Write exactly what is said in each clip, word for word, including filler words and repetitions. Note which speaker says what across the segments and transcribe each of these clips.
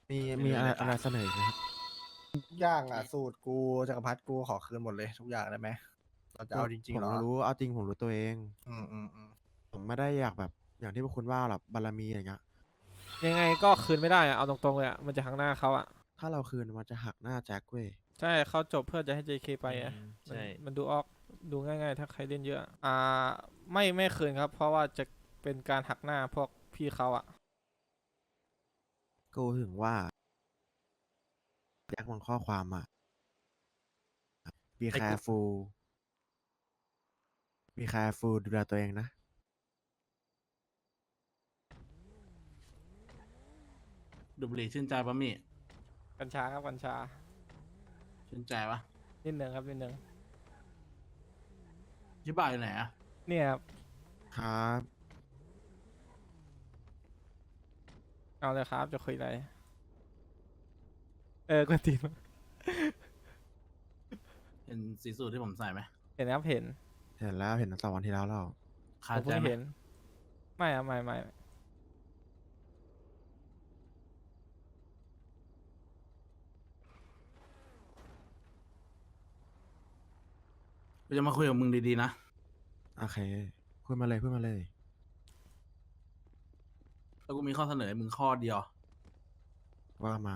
Speaker 1: มี
Speaker 2: ไม่
Speaker 1: มี
Speaker 2: รู้
Speaker 1: อะไร
Speaker 2: เลย
Speaker 1: อะไรเสนออีกไหมครับ
Speaker 3: ทุกอย่างอ่ะสูตรกูจักรพรรดิกูขอคืนหมดเลยทุกอย่างได้ไหมเราจะเอาจริ
Speaker 1: ผ
Speaker 3: งๆ
Speaker 1: ม
Speaker 3: เหรอ
Speaker 1: รู้เอาจริงผมรู้ตัวเอง
Speaker 3: อืมอืมอืม
Speaker 1: ผมไม่ได้อยากแบบอย่างที่พวกคุณว่าหรอกบารมีอย่างเงี้ย
Speaker 4: ยังไงก็คืนไม่ได้อะเอาตรงๆเลยอะมันจะหักหน้าเขาอะ
Speaker 1: ถ้าเราคืนมันจะหักหน้าแจ็คเว้ย
Speaker 4: ใช่เขาจบเพื่อจะให้ เจ เค ไปอะ
Speaker 2: อืม
Speaker 4: มัน
Speaker 2: ใช่
Speaker 4: มันดูออกดูง่ายๆ ถ้าใครเล่นเยอะ อ่าไม่ไม่คืนครับ เพราะว่าจะเป็นการหักหน้าพวกพี่เขาอะ
Speaker 1: กูถึงว่าแจ็คมันข้อความอ่ะ be
Speaker 2: ไอ้กู
Speaker 1: careful be careful ดูแลตัวเองนะ
Speaker 2: ดูดบุหรี่ชื่นใจปะมี่
Speaker 4: กัญชาครับกัญชา
Speaker 2: ชื่นใจปะ
Speaker 4: นิดหนึ่งครับนิดหนึ่ง
Speaker 2: ชิบะอยู่ไหนอะ
Speaker 4: เนี่ยครับ
Speaker 1: ครับ
Speaker 4: เอาเลยครับจะคุยอะไรเออกวนตีนมา
Speaker 2: เห็นสีสูทที่ผมใส่ไหม
Speaker 4: เห็นครับเห็น
Speaker 1: เห็นแล้วเห็นตั้งแต่วันที่แล้วแล้ว
Speaker 2: คา
Speaker 4: ผม
Speaker 2: ใจ
Speaker 4: เพิ่ง
Speaker 2: ไหม
Speaker 4: เห็น ไม่อะไม่ไม่
Speaker 2: กูจะมาคุยกับมึงดีๆนะ
Speaker 1: โอเคพูดมาเลยพูดมาเลย
Speaker 2: แล้วกูมีข้อเสนอให้มึงข้อเดียว
Speaker 1: ว่ามา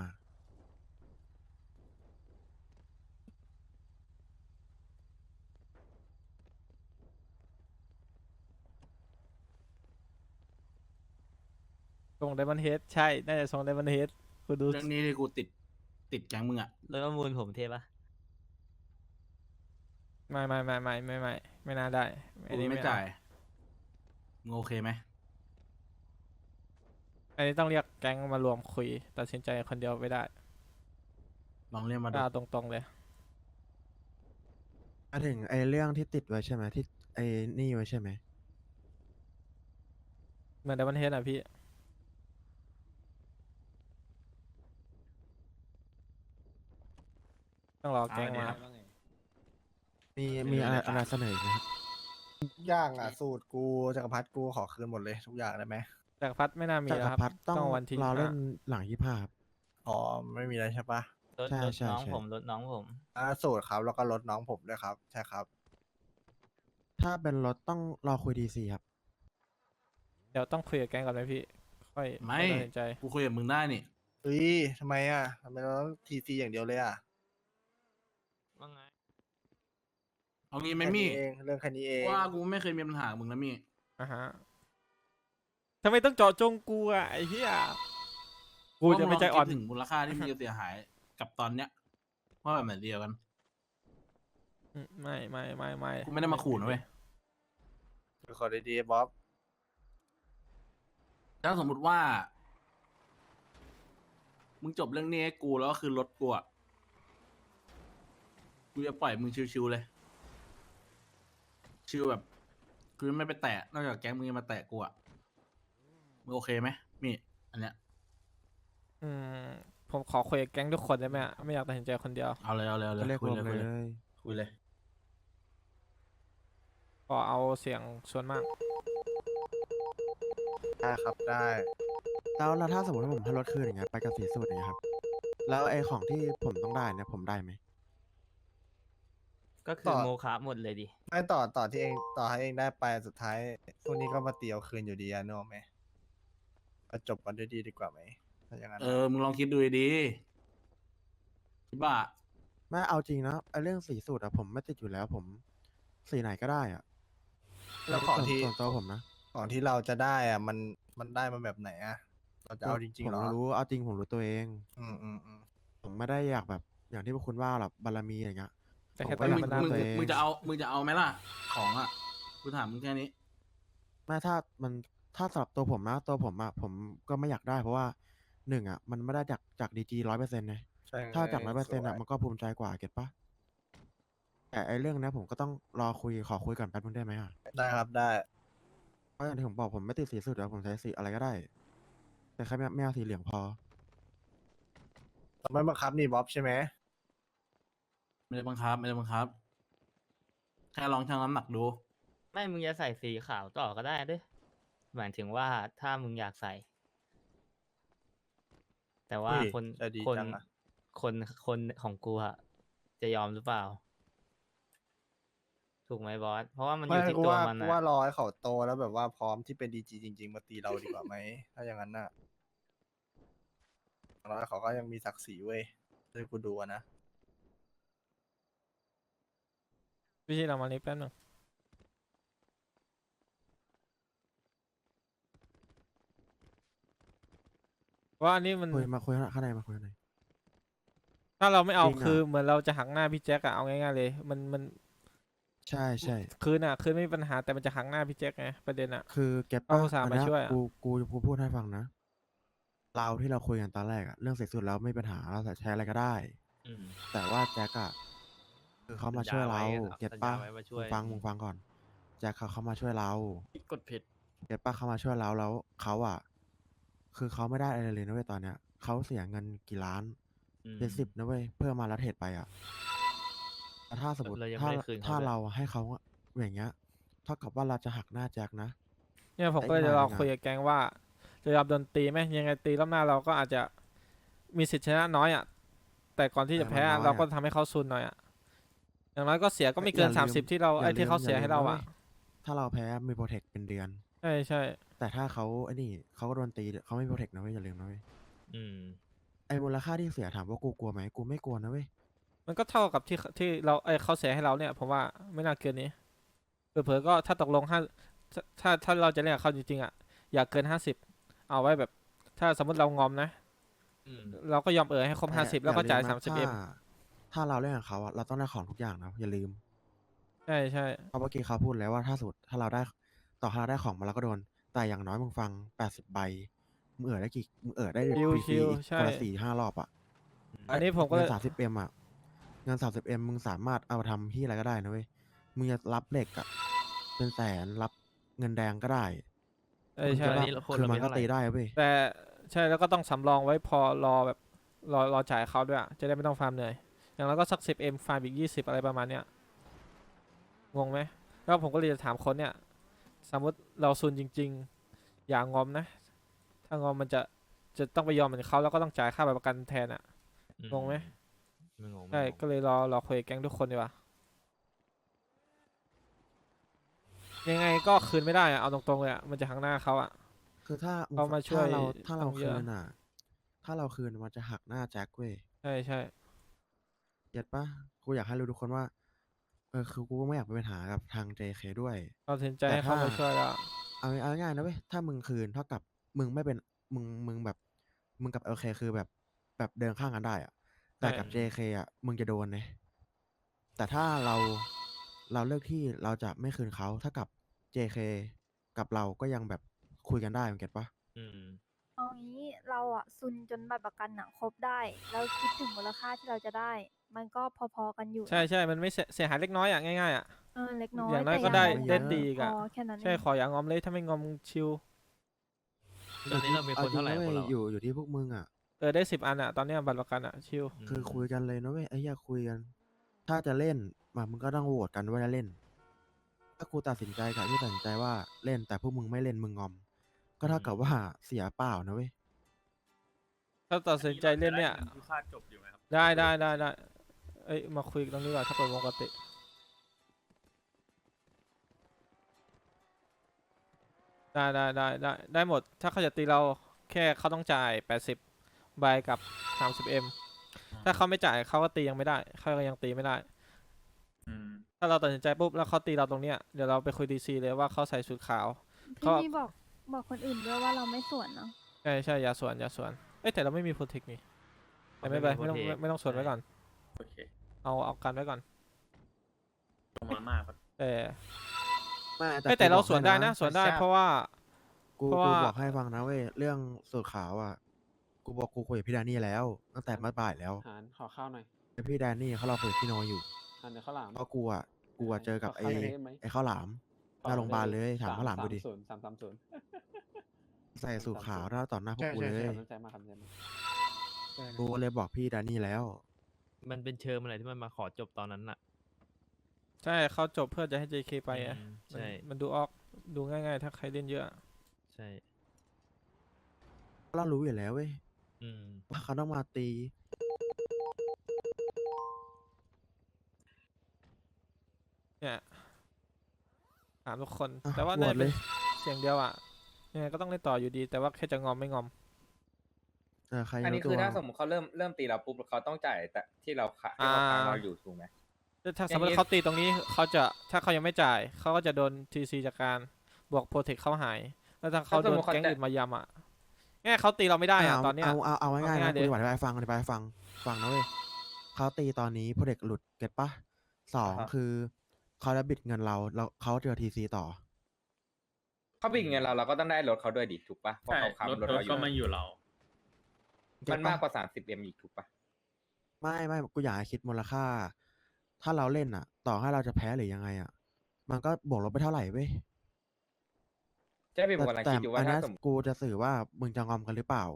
Speaker 4: ส่งไดมอนเฮดใช่ น่าจะส่งไดมอนเฮดคุณดู
Speaker 2: เรื่องนี้ที่กูติดติดแก๊งมึงอะ
Speaker 5: แล้วก็มูลผมเทปะ
Speaker 4: ไม่ไม่ไม่ไม่ไม่ไม่ไม่น่าได้
Speaker 2: กู
Speaker 4: อันนี้
Speaker 2: ไม่
Speaker 4: ไม่
Speaker 2: จ่า
Speaker 4: เอา
Speaker 2: ยมึงโอเคไหม
Speaker 4: อันนี้ต้องเรียกแก๊งมารวมคุย ตัดสินใจคนเดียวไม่ได้
Speaker 2: ลองเรียกมาดู
Speaker 4: เอาตรงๆเลย
Speaker 1: มาถึงไอ้เรื่องที่ติดไว้ใช่ไหมที่ไอ้นี่ไว้ใช่ไหม
Speaker 4: เหมือนไดมอนเฮดอ่ะพี่ ต้องรอแก๊งมา
Speaker 1: มีมีอะไรอะไรเสนออีกไหมครับ
Speaker 3: ทุกอย่างอ่ะสูตรกูจักรพรรดิกูขอคืนหมดเลยทุกอย่างได้ไหม
Speaker 4: จากรพัดไม่น่ามี
Speaker 1: จัก
Speaker 4: แล้ว
Speaker 1: ร
Speaker 4: ครับ
Speaker 1: พรรดิต้อง
Speaker 4: วันที่
Speaker 1: รอเล่น
Speaker 4: ห้า
Speaker 1: หลังยี่ห้าครับ
Speaker 3: อ๋อไม่มีอะไรใช่ปะ
Speaker 5: รถ
Speaker 1: ใช่
Speaker 5: รถ
Speaker 1: ใช่
Speaker 5: น้อง
Speaker 1: ใช่
Speaker 5: ผมรถน้องผม
Speaker 3: อ่าสูตรครับแล้วก็ลดน้องผมด้วยครับใช่ครับ
Speaker 1: ถ้าเป็นรถต้องรอคุยดีซีครับ
Speaker 4: เดี๋ยวต้องคุยกับแก๊งก่อนไหมพี่ ค่อย
Speaker 2: ไม่
Speaker 4: ค่อยตัดสินใจ
Speaker 2: กูคุยกับมึงได้นี่
Speaker 3: เฮ้ยทำไมอ่ะทำไมเราต้องทีซีอย่างเดียวเลยอ่ะ
Speaker 5: ว่าไง
Speaker 2: เอางี้ไหม
Speaker 3: แค่
Speaker 2: มี่
Speaker 3: นี้เองเรื่องแค่นี้เอง
Speaker 2: ว่ากูไม่เคยมีปัญหากับมึงนะมี่
Speaker 4: อ่ะฮะทำไมต้องเจาะจงกูอ่ะไอ้เหี้ย กูจะไม่ใจอ่อน
Speaker 2: ว่ามึงลงคิดถึงมูลค่าที่มึงจะเสียหายกับตอนเนี้ยว่าแบบไหนเดียวกัน
Speaker 4: อืมไม่ไม่ไม่ไม่
Speaker 2: กูไม่ได้มาขู่นะเว้ย
Speaker 3: ขอดีๆบ๊อบ
Speaker 2: ถ้าสมมุติว่า มึงจบเรื่องนี้ให้กูแล้วก็คือรถกูอะกูจะปล่อยมึงชิวๆเลย ชิวแบบ คือไม่ไปแตะ นอกจากแก๊งมึงจะมาแตะกูอะมึงโอเคไหมมี่ อันเนี้ย
Speaker 4: อืมผมขอคุยกับแก๊งทุกคนได้ไหมอะไม่อยากตัดสินใจคนเดียว
Speaker 2: เอาเลยเอาเลยเอาเล
Speaker 1: ก็
Speaker 2: ย
Speaker 1: เรียก
Speaker 2: คุ
Speaker 1: ร
Speaker 2: ยว
Speaker 1: ม
Speaker 2: เลย
Speaker 1: เล
Speaker 2: คุยเลย
Speaker 1: ย
Speaker 2: คุยเลย
Speaker 4: ขอเอาเสียงส่วนมาก
Speaker 3: ได้ครับได้
Speaker 1: แล้วแล้วถ้าสมมติว่าผมให้รถคืนอย่างเงี้ยไปกับสีสูตรอย่างเงี้ยครับ แล้วไอ้ของที่ผมต้องได้เนี่ยผมได้ไหม
Speaker 5: ก็คือโมคะหมดเลยดิ
Speaker 3: ไม่ต่อต่อที่เองต่อให้เองได้ไปสุดท้ายพวกนี้ก็มาตีเอาคืนอยู่ดีอะนึกออกไหมก็จบกันด้วยดีดีกว่าไหมถ้าอย่างนั้น
Speaker 2: เออ มึงลองคิดดูดีๆชิบะ
Speaker 1: ไม่เอาจริงนะไอ้เรื่องสีสูตรอะผมไม่ติดอยู่แล้วผมสีไหนก็ได้อะ
Speaker 3: แล้วของที่
Speaker 1: ส่วนตัวผมนะ
Speaker 3: ของที่เราจะได้อ่ะมันมันได้มาแบบไหนอ่ะเราจะเอาจริงๆเหรอ
Speaker 1: ผมรู้เอาจริงผมรู้ตัวเอง
Speaker 3: อืมอืมอืม
Speaker 1: ผมไม่ได้อยากแบบอย่างที่พวกคุณว่าหรอกบารมีอย่างเงี้ย
Speaker 4: แต่แค่
Speaker 1: ผม
Speaker 4: ต
Speaker 1: ก็
Speaker 4: อน
Speaker 1: อยาก
Speaker 4: นี้
Speaker 2: มึง
Speaker 4: มันน่า
Speaker 2: มึง
Speaker 1: ตัวเอง
Speaker 2: มึงจะเอา มึงจะเอาไหมล่ะ ของอ่ะ กูถามมึงแค่นี้
Speaker 1: ไม่ถ้ามันถ้าสำหรับตัวผมนะตัวผมอะผมก็ไม่อยากได้เพราะว่าหนึ่งอะมันไม่ได้จากจากดีจีร้อยเปอร์เซ็นต์นะ
Speaker 3: ใช่
Speaker 1: ถ้าจากร้อยเปอร์
Speaker 3: ส
Speaker 1: เซ็นต์
Speaker 3: ว
Speaker 1: อะ
Speaker 3: ย
Speaker 1: มันก็ภูมิใจกว่าเก็ตปะแต่ไอ้เรื่องเนี้ยผมก็ต้องรอคุยขอคุยก่อนแป๊บนึงได้ไหมอะ
Speaker 3: ได้ครับได้
Speaker 1: เพราะอย่างที่ผมบอกผมไม่ติดสีสุดแล้วผมใช้สีอะไรก็ได้ แต่แค่ไม่ไม่เอาสีเหลืองพอ
Speaker 3: เราไม่บังคับนี่บ๊อบใช่ไหม
Speaker 2: ไม่ได้บังคับ ไม่ได้บังคับ แค่ลองชั่งน้ำหนักดู
Speaker 5: ไม่มึงจะใส่สีขาวต่อก็ได้ด้วยหมายถึงว่าถ้ามึงอยากใส่แต่ว่า
Speaker 3: อุ้ย
Speaker 5: คน
Speaker 3: ใจดี
Speaker 5: คน
Speaker 3: จังอะ
Speaker 5: คนคนของกูอะจะยอมหรือเปล่า ถูกไหมบอส เพราะว่ามันอ
Speaker 3: ไม่
Speaker 5: ยู่ที่
Speaker 3: กู
Speaker 5: ตัว
Speaker 3: ว่า
Speaker 5: มัน
Speaker 3: กู
Speaker 5: อะ
Speaker 3: ว่ารอให้เขาโตแล้วแบบว่าพร้อมที่เป็นดีจีจริง ๆ มาตีเราดีกว่าไหม ถ้าอย่างนั้นน่ะอย่างน้อยเขาก็ยังมีศักดิ์ศรีเว้ยที่กูดูอะนะ
Speaker 4: พี่ชีเรามานี้แป๊บหนึงว่าอันนี้มัน
Speaker 1: คุยมาคุยข้างในมาคุยข้างใน
Speaker 4: ถ้าเราไม่เอา
Speaker 1: จริงอะ
Speaker 4: คือเหมือนเราจะหักหน้าพี่แจ็คอะเอาง่ายๆเลย มันมัน
Speaker 1: ใช่ใช่
Speaker 4: คืนอะคืนไม่มีปัญหาแต่มันจะหักหน้าพี่แจ็คไงประเด็นอะ
Speaker 1: คือเก็ต
Speaker 4: เอา
Speaker 1: ป่ะ
Speaker 4: อุตส่าห์
Speaker 1: อัน
Speaker 4: มา
Speaker 1: เนี้ย
Speaker 4: ช่วยอะ
Speaker 1: กูกูกูพูดให้ฟังนะ เราที่เราคุยกันตอนแรกอะเรื่องเสร็จสุดแล้วไม่มีปัญหาเราจะใช้อะไรก็ได้
Speaker 5: อืม
Speaker 1: แต่ว่าแจ็คอะคือเขามา
Speaker 5: สัญญา
Speaker 1: ช่วยเรา
Speaker 5: ไว้อะ
Speaker 1: เก็ต
Speaker 5: สัญ
Speaker 1: ป่ะ
Speaker 5: ญาไว้ว่าช่
Speaker 1: มึ
Speaker 5: วย
Speaker 1: งฟัง
Speaker 5: อืม
Speaker 1: มึงฟังก่อนแจ็คเขาเขามาช่วยเรา
Speaker 2: กดผิด
Speaker 1: เก็ตป่ะเขามาช่วยเราแล้วเขาอะคือเขาไม่ได้อะไรเลยนะเว้ยตอนเนี้ยเขาเสียเงินกี่ล้าน
Speaker 5: อืม
Speaker 1: เป็นสิบนะเว้ยเพื่อมาละเทศไปอะแต่ถ้าสมมติ
Speaker 5: เรายัง
Speaker 1: ถ้า
Speaker 5: ไม่ได้คืนเขา
Speaker 1: ถ้า
Speaker 5: ด้วย
Speaker 1: เราให้เขาอย่างเงี้ยเท่ากับว่าเราจะหักหน้าแจ็คนะ
Speaker 4: เนี่ยผม
Speaker 1: แต่
Speaker 4: ก็เลย
Speaker 1: อีก
Speaker 4: จะ
Speaker 1: หน่
Speaker 4: ร
Speaker 1: อ
Speaker 4: อย
Speaker 1: หนึ่งอะ
Speaker 4: คุยกับแกงว่าจะยอมโดนตีไหมยังไงตีรอบหน้าเราก็อาจจะมีสิทธิ์ชนะน้อยอ่ะแต่ก่อนที่จะ
Speaker 1: เออ
Speaker 4: แพ้
Speaker 1: มันน้อย
Speaker 4: เราก็
Speaker 1: อะ
Speaker 4: ทำให้เขาซุนหน่อยอ่ะอย่างน้อยก็เสียก็ไม่เกิน
Speaker 1: อย่าลืม
Speaker 4: สามสิบที่เรา
Speaker 1: อย่า
Speaker 4: ไอ้ที่เขา
Speaker 1: ลืม
Speaker 4: เสีย
Speaker 1: อย่า
Speaker 4: ให้
Speaker 1: ลืม
Speaker 4: เรา
Speaker 1: นะเว้
Speaker 4: อ่ะ
Speaker 1: ย ถ้าเราแพ้มีโปรเทคเป็นเดือน
Speaker 4: ใช่ใช่
Speaker 1: แต่ถ้าเขาไอ้นี่เขาก็โดนตีเขาไม่โปรเทคนะเว้ยอย่าลืมนะเว้ย
Speaker 5: อืม
Speaker 1: ไอ้มูลค่าที่เสียถามว่ากูกลัวไหมกูไม่กลัวนะเว้ย
Speaker 4: มันก็เท่ากับที่ที่เราไอ้เขาเสียให้เราเนี่ยผมว่าไม่น่าเกินนี้เผลอๆก็ถ้าตกลงห้าถ้าถ้าถ้าเราจะเล่นกับเขาจริงๆอ่ะอย่าเกินห้าสิบเอาไว้แบบ ถ้าสมมติเรางอมนะ
Speaker 5: อืม
Speaker 4: เราก็ยอมเออให้ครบ
Speaker 1: แต่
Speaker 4: ห้าสิบแล้วก็
Speaker 1: อย่
Speaker 4: จ่าย
Speaker 1: ลื
Speaker 4: สามสิบเอ็ม
Speaker 1: ถ้ถ้าเราเล่นกับเขาอะเราต้องได้ของทุกอย่างนะอย่าลืม
Speaker 4: ใช่ใช่
Speaker 1: เพราะเมื่อกี้เขาพูดแล้วว่าถ้าสุดถ้าเราได้ต่อให้เราได้ของมาเราก็โดน แต่อย่างน้อยมึงฟังแปดสิบใบมึงเออได้กี่มึงเออได้ฟ
Speaker 4: ชิว
Speaker 1: รี
Speaker 4: ชิว
Speaker 1: ๆอีก
Speaker 4: ใช่
Speaker 1: คนละสี่ห้ารอบอะ
Speaker 4: อันนี้ผมก็
Speaker 1: เงิ
Speaker 4: เลย
Speaker 1: นสามสิบเอ็มอะเงินสามสิบเอ็มมึงสามารถเอาไปทำที่อะไรก็ได้นะเว้ยมึงจะรับเหล็กอะเป็นแสนรับเงินแดงก็ได้
Speaker 4: เอ้ย
Speaker 1: มึง
Speaker 4: ใช่
Speaker 1: จะ
Speaker 5: อัน
Speaker 1: แบบ
Speaker 5: นี้เราคน
Speaker 1: คือ
Speaker 5: เรา
Speaker 1: มั
Speaker 5: มี
Speaker 1: นก็
Speaker 5: เท่าไหร่
Speaker 1: ตีได้เว้ย
Speaker 4: แต่ใช่แล้วก็ต้องสำรองไว้พอรอแบบรอรอจ่ายเขาด้วยอะจะได้ไม่ต้องฟาร์มเหนื่อยอย่างเราก็สักสิบเอ็มฟาร์มอีกยี่สิบอะไรประมาณเนี้ยงงไหมแล้วผมก็เลยจะถามคนเนี่ยสมมติเราซุนจริง ๆ อย่างงอมนะ ถ้างอมมันจะจะต้องไปยอมเหมือนเขาแล้วก็ต้องจ่ายค่าประกันแทนอะ
Speaker 5: อื
Speaker 4: งงไหม
Speaker 5: ไม่งง
Speaker 4: ใช่
Speaker 5: ไม่งง
Speaker 4: ก็เลยรอรอคุยกับแก๊งทุกคนดีกว่ายังไงก็คืนไม่ได้อะเอาตรงๆเลยอะมันจะหักหน้าเขาอะ
Speaker 1: คือถ้า
Speaker 4: เขามาช่วย
Speaker 1: ถ้าเราถ้าเรา
Speaker 4: ต้องเย
Speaker 1: คื
Speaker 4: อะ
Speaker 1: นอ่ะ ถ้าเราคืนมันจะหักหน้าแจ็คเว้ย
Speaker 4: ใช่ใช่
Speaker 1: เก็ตปะกูอยากให้รู้ทุกคนว่า เออคือกูก็ไม่อยากมีปัญหากับทาง เจ เค ด้วย
Speaker 4: เราตัดสินใจ
Speaker 1: แต่
Speaker 4: ให้เขา
Speaker 1: ถ้า
Speaker 4: มาช่วยแล้ว
Speaker 1: เอาเอาง่ายๆนะเว้ย ถ้ามึงคืนเท่ากับมึงไม่เป็นมึงมึงแบบ มึงกับ โอ เค คือแบบแบบเดินข้างกันได้อะแต่กับ เจ เค อ่ะ มึงจะโดนเนี่ยแต่ถ้าเราเราเลือกที่เราจะไม่คืนเขาถ้ากับ เจ เค กับเราก็ยังแบบคุยกันได้มึงเก็ตปะ
Speaker 5: อืม
Speaker 6: เอางี้เราอะซุนจนบัตรประกันอะครบได้แล้วคิดถึงมูลค่าที่เราจะได้ มันก็พอๆกันอยู่นะ
Speaker 4: ใช่ใช่มันไม่เสียเสียหายเล็กน้อยอะง่ายๆอะ
Speaker 6: เออเล็กน้อย
Speaker 4: อย่างน้อย
Speaker 6: แต่
Speaker 4: ก็ได้
Speaker 6: น้อย
Speaker 4: ได้
Speaker 6: มัน
Speaker 4: ตีอีก
Speaker 6: พ
Speaker 4: อะ
Speaker 6: อแค่นั้น
Speaker 4: ใช่
Speaker 6: เอง
Speaker 4: ขออย่างงอมเลยถ้าไม่งอมชิว
Speaker 5: ตอนนี้เรามีคนเท่าไหร่
Speaker 1: อจง
Speaker 5: คน
Speaker 1: นะ
Speaker 5: เรา
Speaker 1: ว้ยอยู่อยู่ที่พวกมึงอ่ะ
Speaker 4: เออได้สิบอันอะตอนเนี้ยบัตรประกันอะชิว
Speaker 1: คือคุยกันเลยนะเว้ยไอ้เหี้ยคุยกัน ถ้าจะเล่นมามึงก็ต้องโหวตกันว่าจะเล่น ถ้ากูตัดสินใจกับที่ตัดสินใจว่าเล่นแต่พวกมึงไม่เล่นมึงงอม ก็เท่ากับว่าเสียเปล่านะเว้ย
Speaker 4: ถ้าตัดสินใจเล่นเนี่ย
Speaker 2: คือค่าจบอยู่ไหมครับ
Speaker 4: ได้ได้ได้ได้เอ้ยมาคุยกันตรงนี้ก่อนถ้าเปิดวงปกติได้ได้ได้ได้ได้หมด ถ้าเขาจะตีเราแค่เขาต้องจ่ายแปดสิบใบกับสามสิบเอ็มถ้าเขาไม่จ่ายเขาก็ตียังไม่ได้เขาก็ยังตีไม่ได้
Speaker 2: อืม
Speaker 4: ถ้าเราตัดสินใจปุ๊บแล้วเขาตีเราตรงเนี้ยเดี๋ยวเราไปคุยดีซีเลยว่าเขาใส่ชุดขาว
Speaker 6: พี่นี่บอกบอกคนอื่นด้วยว่าเราไม่สวนเนาะ
Speaker 4: ใช่ใช่อย่าสวนอย่าสวนเอ้ยแต่เราไม่มีโปรเทคนี่แต่ไม่เป็นไรไม่ต้อง
Speaker 5: ไม่มี
Speaker 4: ไม่ไม่ต้องสวนไว้ก่อน
Speaker 2: โอเค
Speaker 4: เอาเอากันไว้ก่อน
Speaker 2: ตรงมามากครับ
Speaker 4: แต่
Speaker 1: ไม่
Speaker 4: เอ้ยแต่เรา
Speaker 1: กูบอก
Speaker 4: สวนได้
Speaker 1: ให้
Speaker 4: นะสวนได้
Speaker 5: ไม่ทราบ
Speaker 4: เพราะว่า
Speaker 1: กู
Speaker 4: เพราะ
Speaker 1: กู
Speaker 4: ว่า
Speaker 1: บอกให้ฟังนะเว้ยเรื่องสูตรขาวอ่ะ กูบอกกูคุยกับพี่แดนนี่แล้ว ตั้งแต่เมื่อบ่ายแล้ว
Speaker 7: หารขอข้าวหน่อย
Speaker 1: แต่พี่แดนนี่เขารอคุยกับพี่โนอยู่
Speaker 7: หารเดี๋ยวข้าวหลาม
Speaker 1: เพราะกูอ่ะกูอ่ะเจอกับ
Speaker 7: ข
Speaker 1: ไอ้
Speaker 7: ข้าวหน่อยได้ไหม
Speaker 1: ไอ้ข้าวหลามหน้าโรงพยาบาลเลยถามข้าวหลามดูดิ
Speaker 7: ศูนย์สามสามศูนย์
Speaker 1: ใส่สูตรขาวหน้าต่อหน้าพวก
Speaker 7: ใช่
Speaker 1: กู
Speaker 7: ใช่
Speaker 1: เล
Speaker 7: ใช่
Speaker 1: ย
Speaker 7: สนใจมากครับสนใจมากใช่
Speaker 1: กูก็เลยบอกพี่แดนนี่แล้ว
Speaker 5: มันเป็นเชิงอะไรที่มันมาขอจบตอนนั้นน่ะ
Speaker 4: ใช่เขาจบเพื่อจะให้ เจ เค ไปอ่ะ
Speaker 5: อืม
Speaker 4: มัน
Speaker 5: ใช่
Speaker 4: มันดูออกดูง่ายๆ ถ้าใครเล่นเยอะ
Speaker 5: ใช่
Speaker 1: เรารู้อยู่แล้วเว้ย
Speaker 5: อืม
Speaker 1: ว่าเขาต้องมาตี
Speaker 4: เนี่ยถามทุกคน
Speaker 1: อ่ะ
Speaker 4: แต่ว่า
Speaker 1: โหว
Speaker 4: น่า
Speaker 1: ต
Speaker 4: จะ
Speaker 1: เล
Speaker 4: เป็น
Speaker 1: ย
Speaker 4: เสียงเดียวอ่ะยังไงก็ต้องเล่นต่ออยู่ดี แต่ว่าแค่จะงอมไม่งอม
Speaker 1: เออใคร
Speaker 8: อัน
Speaker 1: รู้
Speaker 8: นี้
Speaker 1: ตั
Speaker 8: คือ
Speaker 1: ว
Speaker 8: ถ้าสมมติเขาเริ่มเริ่มตีเราปุ๊บเขาต้องจ่ายแต่ที่เราขาที่เขาค้างเราอยู่ถูกไหม
Speaker 4: ถ้าส
Speaker 8: อ
Speaker 4: ม
Speaker 8: ย่าม ง
Speaker 4: ติ
Speaker 8: นี้
Speaker 4: เขาตีตรงนี้เขาจะถ้าเขายังไม่จ่ายเขาก็จะโดนทีซีจากการบวกโปรเทคเขาหาย แล้วถ้าเขาโดนแก๊งอื่นมายำอ่ะง่ายเขาตีเราไม่ได้อ่ะ
Speaker 1: เอา
Speaker 4: ตอนเนี้ย
Speaker 1: เอาเอาเอาง่ายๆ
Speaker 4: ง่า
Speaker 1: นะ
Speaker 4: ยๆ
Speaker 1: กู
Speaker 4: เลย
Speaker 1: จะอธิบายให้ฟังอธิบายให้ฟังฟังนะเว้ยเขาตีตอนนี้โปรเด็กหลุดเก็ตปะสอง
Speaker 8: อ่าฮะ
Speaker 1: คือเขาจะบิดเงินเราแล้วเขาเจอทีซีต่อ
Speaker 8: เขาบิดเงินเราเราก็ต้องได้รถเขาด้วยดิถูกปะเพราะเขาค้ำรถเราอยู่
Speaker 1: เก็
Speaker 8: มั
Speaker 1: ต
Speaker 8: น
Speaker 1: ปะ
Speaker 8: มากกว่าสามสิบเอ็มอีกถูกปะ
Speaker 1: ไม่ไม่กูอยากให้คิดมูลค่า ถ้าเราเล่นอ่ะ ต่อให้เราจะแพ้หรือยังไงอ่ะ มันก็บวกลบไปเท่าไหร่เว้ย
Speaker 8: ใช่พี่ผมกำลัง
Speaker 1: แต่
Speaker 8: คิดอยู่ว่า
Speaker 1: อัน
Speaker 8: ถ้า
Speaker 1: เนี้ย
Speaker 8: สมมติ
Speaker 1: กูจะสื่อว่ามึงจะงอมกันหรือเปล่า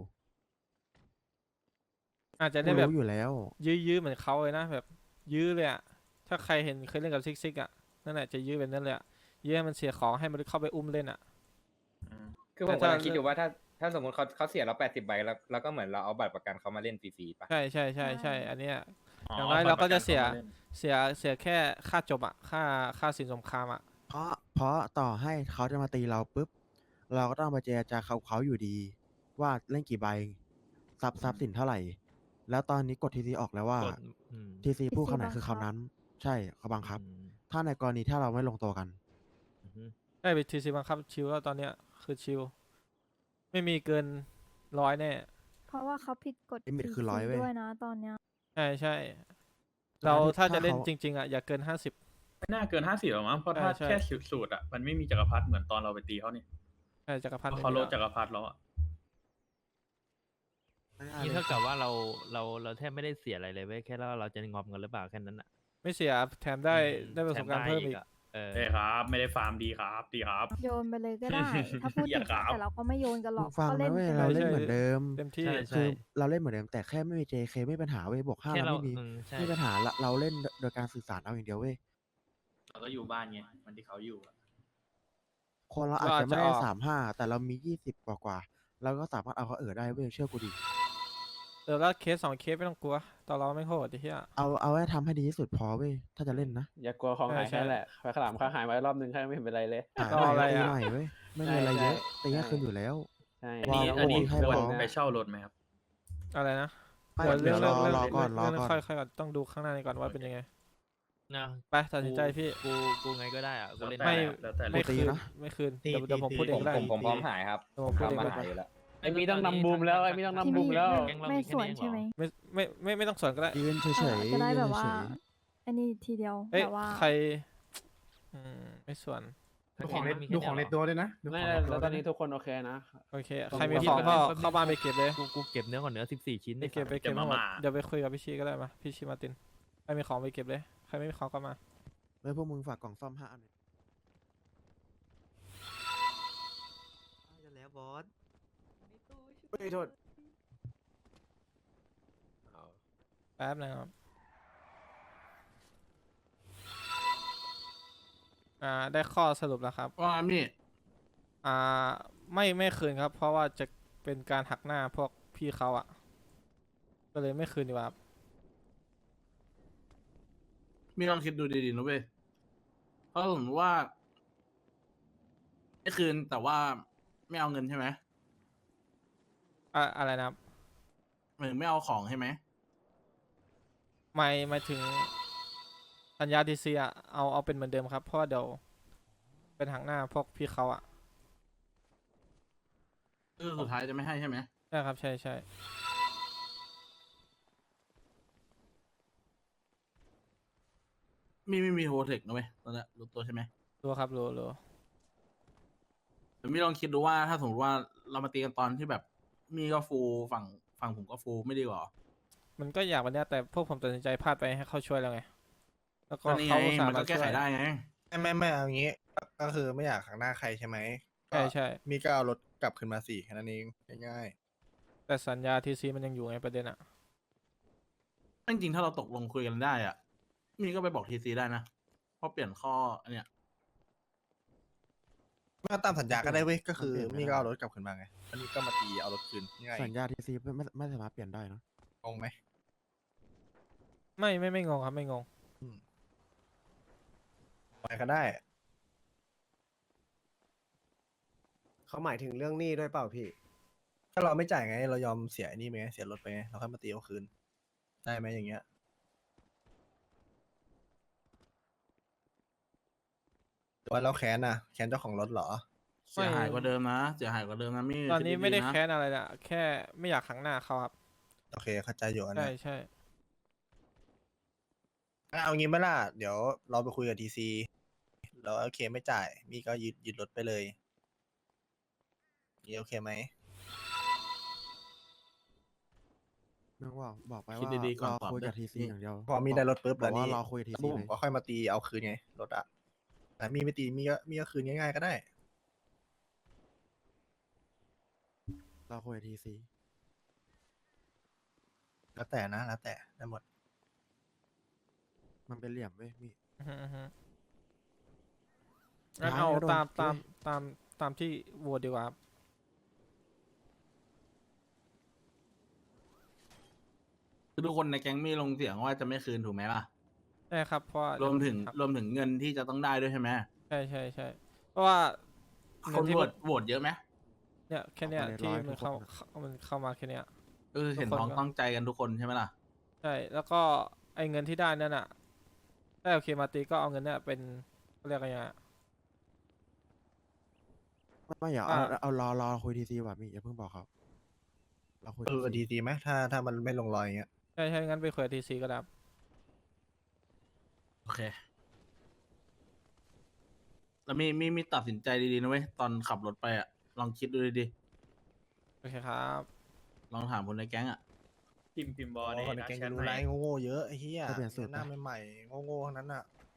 Speaker 4: อาจจะ
Speaker 1: กู
Speaker 4: ได้แบบ
Speaker 1: รู้อยู่แล้ว
Speaker 4: ยื้อๆเหมือนเขาเลยนะแบบยื้อเลยอ่ะถ้าใครเห็นเคยเล่นกับซิกซิกอ่ะนั่นแหละจะยื้อแบบนั้นเลยอ่ะยื้อให้มันเสียของให้มันเข้าไปอุ้มเล่นอ่ะ
Speaker 8: คือผมกำลังคิดอยู่ว่าถ้าถ้าสมมติเขาเขาเสียเราแปดสิบใบแล้วแล้วก็เหมือนเราเอาบัตรประกันเขามาเล่นฟรีๆปะ
Speaker 4: ใช่ใช่ใช่ใช่อันเนี้ย
Speaker 9: อ๋อ
Speaker 4: อย่างน้อย
Speaker 9: บัตร
Speaker 4: เราก็
Speaker 9: ประกัน
Speaker 4: จะเสีย
Speaker 9: เขามาเล่น
Speaker 4: เสียเสียแค่ค่าจบอ่ะค่าค่าสินสงครามอ่ะ
Speaker 1: เพราะเพราะต่อให้เขาจะมาตีเราปุ๊บ เราก็ต้องไปเจรจาเขาเขาอยู่ดี ว่าเล่นกี่ใบทรัพย์ทรัพย์สินเท่าไหร่ แล้วตอนนี้กดทีซีออกแล้วว่าก
Speaker 5: ดอืม
Speaker 1: ทีซีพูด
Speaker 6: ทีซี
Speaker 1: คำไหนคือ
Speaker 6: บังคับ
Speaker 1: คำนั้น ใช่เขาบังคับ
Speaker 5: อืม
Speaker 1: ถ้าในกรณีถ้าเราไม่ลงตัวกัน
Speaker 5: อือฮึ
Speaker 4: ใช่ไปทีซีบังคับชิลแล้วตอนเนี้ยคือชิลไม่มีเกินร้อยแน่
Speaker 6: เพราะว่าเขาผิดกฎ
Speaker 1: Limit คือ
Speaker 6: ที
Speaker 1: ร้อยเว้ย
Speaker 6: ด้วยนะตอนเนี้ย
Speaker 4: ใช่ใช่
Speaker 1: แต่
Speaker 4: เรา
Speaker 1: ถ้า
Speaker 4: ถ้าจะเล่น
Speaker 1: เขา
Speaker 4: จริง ๆอ่ะอย่าเกินห้าสิบ
Speaker 9: ไม่น่าเกินห้าสิบหรอกมั้งเพราะถ้า
Speaker 4: ใช่ใช่
Speaker 9: แค่สูตรอ่ะมันไม่มีจักรพรรดิเหมือนตอนเราไปตีเขานี่
Speaker 4: ใช่จักร
Speaker 9: เพ
Speaker 4: พันธ์
Speaker 9: ราะ
Speaker 4: ไม่
Speaker 9: เขา
Speaker 4: มี
Speaker 9: โล
Speaker 4: แล้ว
Speaker 9: จักรพรรดิแล้วอ่ะ
Speaker 1: ง่ายๆ
Speaker 5: นี่
Speaker 1: เลย
Speaker 5: เท่ากับว่าเราเราเราแทบไม่ได้เสียอะไรเลยเว้ยแค่เราเราจะงอมกันหรือเปล่าแค่นั้นอ่ะ
Speaker 4: ไม่เสียแถมได้
Speaker 5: อืม
Speaker 4: ได้ประสบการณ์
Speaker 5: แถ
Speaker 4: เพิ่มอีก
Speaker 5: ะเออ
Speaker 9: ใช่ครับ ไม่ได้ฟาร์มดีครับดีครับ
Speaker 6: โยนไปเลยก็ได้ ถ้าพูด
Speaker 9: อ
Speaker 6: ถึ
Speaker 9: ย่าง ครับ
Speaker 6: แต่เราก็ไม่โยนกันหร
Speaker 1: มึ
Speaker 6: อก
Speaker 1: งฟัง
Speaker 6: ก็เล่
Speaker 1: นะ
Speaker 6: น
Speaker 1: เว้ย
Speaker 6: กัน
Speaker 1: เรา
Speaker 6: เลย
Speaker 1: เล่น
Speaker 4: ใช่
Speaker 1: เหมือนเดิม
Speaker 4: เต็มที่
Speaker 5: ใช่
Speaker 1: คือเราเล่นเหมือนเดิมแต่แค่ไม่มี เจ เค ไม่มีปัญหาเว้ยบวกห้า
Speaker 5: แค่
Speaker 1: เรา
Speaker 5: เรา
Speaker 1: ไม่มี
Speaker 5: อืมใช่
Speaker 1: ไม่มีปัญหาละเราเล่นโดยการสื่อสารเอาอย่างเดียวเว้ย
Speaker 9: เราก็อยู่บ้านไงวันที่เขาอยู่อะ
Speaker 1: คนเราอาจ
Speaker 4: เราอา
Speaker 1: จะ
Speaker 4: จ
Speaker 1: ไม่
Speaker 4: จะ
Speaker 1: ได้
Speaker 4: ออก
Speaker 1: สามห้าแต่เรามียี่สิบกว่ากว่าๆเราก็สามารถเอาเขาเออได้เว้ยเชื่อกูดิ
Speaker 4: เออแล้วเคสสองเคสไม่ต้องกลัวตอนเราไม่โหดไอ้เหี้ย
Speaker 1: เอาเอาให้ทำให้ดีที่สุดพอเว้ยถ้าจะเล่นนะ
Speaker 7: อย่ากลัวของหาย
Speaker 4: ใช่
Speaker 7: แค่แหละไฟขาวหลามเขาหายไว้รอบนึงแค่ไม่เห็นเป็นไรเลย
Speaker 1: หาย
Speaker 4: รออะไร
Speaker 1: ใหม่ตี
Speaker 4: อะ
Speaker 1: ใหม่เว้ยไม่มีอะไร
Speaker 7: ใช่
Speaker 1: เยอะ
Speaker 7: ใช่
Speaker 1: ตีให้คืนอยู่แล้ว
Speaker 7: ใช่
Speaker 9: อันนี้
Speaker 1: ว้าว
Speaker 9: อันนี้
Speaker 1: ให้
Speaker 9: ควร
Speaker 1: พร้อม
Speaker 9: ไปเช่ารถไหมครับ
Speaker 4: อะไรนะ
Speaker 1: ไม่
Speaker 4: เดี๋ยว
Speaker 1: เดี๋
Speaker 4: เรื่
Speaker 1: ย
Speaker 4: อ
Speaker 1: ว
Speaker 4: ง
Speaker 1: รอ
Speaker 4: เรื่อง
Speaker 1: รอก่อนรอ
Speaker 4: เรื่อง
Speaker 1: ก่อน
Speaker 4: ค่อยค่อยก่อนต้องดูข้างหน้านี้ก่อนว่าเป็นยังไง
Speaker 5: นะ
Speaker 4: ไปตัดสินใจพี่
Speaker 5: กูกูไงก็ได้อ่ะกูเล่น
Speaker 4: ไม่
Speaker 9: แล้วแต่
Speaker 4: ไม่
Speaker 1: ตี
Speaker 4: คืน
Speaker 1: นะ
Speaker 4: ไม่คืน
Speaker 3: ตี
Speaker 4: เดี๋ยวเดี๋ยวผม
Speaker 3: ตี
Speaker 4: พูดเอ
Speaker 8: ผ
Speaker 4: ง
Speaker 8: ม
Speaker 4: ก็ได้
Speaker 8: ผมผมพร้อมหายครับ
Speaker 4: เดี๋ยวผมพูดเอง
Speaker 8: ทำมา
Speaker 4: ก็
Speaker 8: หาย
Speaker 4: ได้
Speaker 8: อยู่แล้ว
Speaker 7: ไอ้มีต้องนำบูมแล้วไอ้มีต้องนำ
Speaker 6: ที่
Speaker 7: บู
Speaker 6: ไม่
Speaker 7: มแล้ว
Speaker 5: แก๊งเรา
Speaker 6: ไม่
Speaker 5: มีแค่
Speaker 6: ส่วน
Speaker 5: นี้เองเหรอ
Speaker 6: ใช่ไหม
Speaker 4: ไม่ไม่ไม่ไม่ต้องสวนก็ได้
Speaker 1: ยืนเฉย
Speaker 6: เออ
Speaker 1: ๆ
Speaker 6: จะได้
Speaker 1: ยืน
Speaker 6: แบบว่า
Speaker 1: เฉย
Speaker 6: อันนี้ทีเดียว
Speaker 4: เอ้ย
Speaker 6: แบบว่า
Speaker 4: ใครอืมไม่ส่วน
Speaker 3: ดูของใน
Speaker 5: มีแค่
Speaker 3: ดูของใน
Speaker 5: เยเหร
Speaker 3: ตัวด้วยนะดู
Speaker 7: ไม่
Speaker 3: ของในตัว
Speaker 7: แล้วตอนนี้
Speaker 3: ด้วยะ
Speaker 7: ทุกคนโอเคนะ
Speaker 4: โอเค
Speaker 7: ต้อง
Speaker 4: ใครมี
Speaker 7: ดู
Speaker 4: ของ
Speaker 7: ที่
Speaker 4: ก็
Speaker 5: มัน
Speaker 4: เข้าบ้านไปเก็บเลย
Speaker 5: กูกูเก็บเนื้อก่อนเนื้อสิบสี่ชิ้น
Speaker 4: ไป
Speaker 5: ได้
Speaker 4: เก็บไป
Speaker 9: เก็
Speaker 4: เก็บบ ทั้
Speaker 9: มาง
Speaker 4: หมด
Speaker 9: ม่า
Speaker 4: เดี๋ยวไปคุยกับพี่ชีก็ได้มาพี่ชีมาร์ตินใครมีของไปเก็บเลยใครไม่มีของก็มา
Speaker 1: ๆแล้วพวกมึงฝากกล่องซ่อมห้าอัน
Speaker 5: จะแล้วบอส
Speaker 3: เฮ้ยโทษ
Speaker 4: แป๊บนะครับอ่าได้ข้อสรุปแล้วครับ
Speaker 2: ว่าพี่
Speaker 4: อ่าไม่ไม่คืนครับ เพราะว่าจะเป็นการหักหน้าพวกพี่เขาอ่ะ ก็เลยไม่คืนดีกว่าครับ
Speaker 2: มีลองคิดดูดีๆนะเว้ยเพราะผมว่าไม่คืนแต่ว่าไม่เอาเงินใช่ไหม
Speaker 4: อ่ะอะไรนะครับ
Speaker 2: หมายถึงไม่เอาของใช่ไหม
Speaker 4: ไม่ไม่ถึงสัญญาทีซีอ่ะเอาเอาเป็นเหมือนเดิมครับ เพราะว่าเดี๋ยวเป็นหักหน้าพวกพี่เขาอ่ะ
Speaker 2: คือสุดท้ายจะไม่ให้ใช่ไหม
Speaker 4: ใช่ครับใช่ใช่
Speaker 2: มีไม่มีโฮเทคนะเว้ยตอนนี้รู้ตัวใช่ไหม
Speaker 4: รู้ครับรู้รู้
Speaker 2: แต่มีลองคิดดูว่าถ้าสมมติว่าเรามาตีกันตอนที่แบบ มีก็ฟูลฝั่งฝั่งผมก็ฟูลไม่ดีกว่าเหรอ
Speaker 4: มันก็อยากวันเนี้ยแต่พวกผมตัดสินใจพลาดไปให้เขาช่วยแล้วไงแล้วก็
Speaker 2: ก็นี่ไง
Speaker 4: เขาอุตส่า
Speaker 2: มัน
Speaker 4: ห์
Speaker 2: ก็
Speaker 4: มา
Speaker 2: แก้
Speaker 4: ช่ว
Speaker 2: ไข
Speaker 4: ย
Speaker 2: ได้ไง
Speaker 3: ไม่ไม่ไม่เอางี้ ก็คือไม่อยากขังหน้าใครใช่ไหม
Speaker 4: ใช่ใช่
Speaker 3: มีก็เอารถกลับคืนมาสี่แค่นั้นเองง่าย
Speaker 4: แต่สัญญาทีซีมันยังอยู่ไงประเด็นอ่ะ
Speaker 2: จริงๆถ้าเราตกลงคุยกันได้อ่ะ มีก็ไปบอกทีซีได้นะเพราะเปลี่ยนข้ออันเนี้ย
Speaker 3: ไม่ก็ตามสัญญาก็ได้เว้ยก็คือ
Speaker 1: มันเปลี่ยนไม่
Speaker 3: นี่
Speaker 1: ได้
Speaker 3: ก็เอารถกลับคืนมาไงอันนี้ก็มาตีเอารถคืนง่าย
Speaker 1: สัญญาทีซีไม่ไม่ไม่สามารถเปลี่ยนได้นะ
Speaker 3: งงไหม
Speaker 4: ไม่ไม่ไม่งงครับไม่งง
Speaker 3: ไปก็ได้
Speaker 10: เขาหมายถึงเรื่องหนี้ด้วยเปล่าพี่
Speaker 3: ถ้าเราไม่จ่ายไง เรายอมเสียไอ้นี่ไปไงเสียรถไปไงเราค่อยมาตีเอาคืนได้ไหมอย่างเงี้ยหรือว่าเราแค้นน่ะแค้นเจ้าของรถเหรอ
Speaker 2: เสียหายกว่าเดิมนะเสียหายกว่าเดิมนะมี่
Speaker 4: ตอนนี้
Speaker 2: คิ
Speaker 4: ไม่ได้
Speaker 2: ๆะ
Speaker 4: แค้นอะไรนะแค่ไม่อยากขังหน้าเขาครับ
Speaker 3: โอเคเข้าใจอยู่อัน
Speaker 4: ใช่
Speaker 3: นะ
Speaker 4: ใช่
Speaker 3: เอางี้ไหมล่ะเดี๋ยวเราไปคุยกับทีซีแล้วโอเคไม่จ่ายมีก็ยึดยึดรถไปเลยนี่โอเคไหม
Speaker 1: มึงบอกบอกไป
Speaker 2: คิด
Speaker 1: ว่า
Speaker 2: ดีๆก่อน
Speaker 1: รอ
Speaker 2: ตอบ
Speaker 1: คุย
Speaker 2: ด้วย
Speaker 1: กับทีซี
Speaker 2: นี่
Speaker 1: อย่างเดียว
Speaker 3: พอมีได้รถปุ๊บ
Speaker 1: บ
Speaker 3: แล้
Speaker 1: อก
Speaker 3: ว
Speaker 1: ว่า
Speaker 3: นี่
Speaker 1: รอคุยกับที
Speaker 3: แล้ว
Speaker 1: ซี
Speaker 3: ผม
Speaker 1: เลย
Speaker 3: ก็ค่อยมาตีเอาคืนไงรถอะแต่มีไม่ตีมีก็มีก็คืนง่ายๆก็ได้
Speaker 1: รอคุยกับทีซี
Speaker 3: แล้วแต่นะแล้วแต่ได้หมด
Speaker 1: มันเป็นเหลี่ยมเว้ยมี่
Speaker 4: อือฮึอือฮึงั้น
Speaker 1: ท้าย
Speaker 4: เอา
Speaker 1: ก็โดน
Speaker 4: ตามตาม
Speaker 1: เว้ย
Speaker 4: ตามตามที่โหวตดีกว่าครับ
Speaker 2: คือทุกคนในแก๊งมี่ลงเสียงว่าจะไม่คืนถูกไหมล่ะ
Speaker 4: ใช่ครับเพราะว่าร
Speaker 2: วมถึง
Speaker 4: ครับ
Speaker 2: รวมถึงเงินที่จะต้องได้ด้วยใช่ไหม
Speaker 4: ใช่ใช่ใช่เพราะว่า
Speaker 2: ค
Speaker 4: เงิ
Speaker 2: น
Speaker 4: นที่
Speaker 2: โหว
Speaker 4: มั
Speaker 2: ต
Speaker 4: น
Speaker 2: โหวตเยอะไหม
Speaker 4: เนี่ยแค่เนี้ย
Speaker 1: ออกมาใน
Speaker 4: ที่
Speaker 1: ร้อย
Speaker 4: มัน
Speaker 1: ทุก
Speaker 4: เข้า
Speaker 1: คนอะ
Speaker 4: เข้ามันเข้ามาแค่เนี้ย
Speaker 2: เออเห็น
Speaker 4: ทุกคน
Speaker 2: พ้อง
Speaker 4: ก็
Speaker 2: ต้องใจกันทุกคนใช่ไหมล่ะ
Speaker 4: ใช่แล้วก็ไอ้เงินที่ได้นั่นอ่ะถ้าโอเคมาตีก็เอาเงินเนี่ยเป็นเขาเรียกอะไรอ่ะ
Speaker 1: ไม่อย่าเอา
Speaker 4: อ่า
Speaker 1: เอารอรอคุยทีซีว่ะมี่อย่าเพิ่งบอกเขาเราคุย
Speaker 3: เออดีดีไหมถ้าถ้ามันไม่ลงรอยอย่างเงี้ย
Speaker 4: ใช่ใช่งั้นไปคุยกับทีซีก็ได้ครับ
Speaker 2: โอเค แล้วมีมีมีตัดสินใจดีๆนะเว้ยตอนขับรถไปอ่ะลองคิดดูดี
Speaker 4: โอเคครับ
Speaker 2: ๆลองถามคนในแก๊งอ่ะ
Speaker 9: พิมพ์พิมพ์บอ
Speaker 3: อ๋
Speaker 9: ล
Speaker 3: อ
Speaker 9: ใน
Speaker 3: คนใน
Speaker 9: นะ
Speaker 3: แก๊ง
Speaker 9: แชท
Speaker 3: รู้
Speaker 9: ให้
Speaker 3: ไรโง่ๆเยอะไอ้เหี้ย
Speaker 1: จะเปลี่ยนสูตร
Speaker 3: หน้า
Speaker 1: ปะ
Speaker 3: ใหม่ๆโง่ๆทั้งนั้นอ่ะ